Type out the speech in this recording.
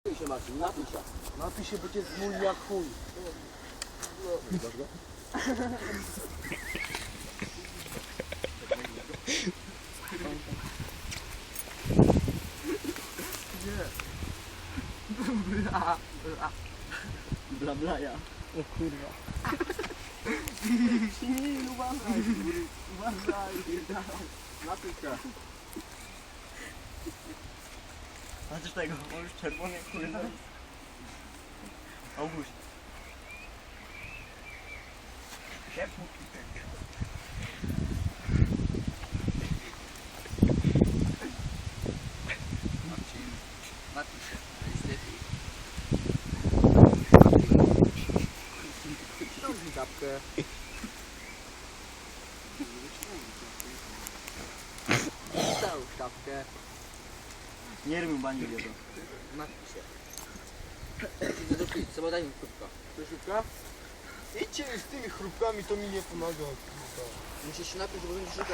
Napij się, Marcin, napij się. Napij się, bo cię zmuli jak chuj. Bla bla ja. O kurwa. Uważaj. Uważaj. Napij się. Patrz tego, on już czerwony jak kurwa. Auguś. Ciepło. Napij się. To jest lepiej. Ściągnij kapkę. Załóż kapkę. Nie rymy bani wiedzą. Napij się. Idę do pizzy, bo daj mi kubka. To szybka? Idźcie z tymi chrupkami, to mi nie pomaga. Musisz się napić, bo będziesz